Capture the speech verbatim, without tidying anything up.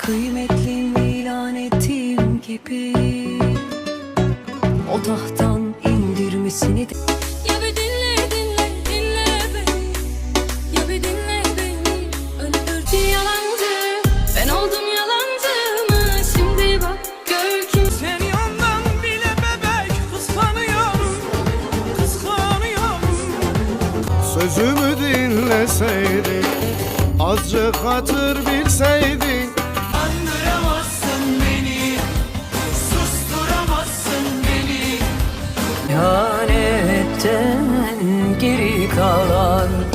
kıymetlim ilan ettiğim gibi o tahttan indirmesini de... Ya bir dinle dinle dinle beni, ya bir dinle beni, öldürdü yalancı. Ben oldum yalancı mı? Şimdi bak gör kim. Seni ondan bile bebek kıskanıyorum, kıskanıyorum. Sözümü dinleseydin, azıcık hatır bilseydin. Andıramazsın beni, susturamazsın beni. İhanetten geri kalan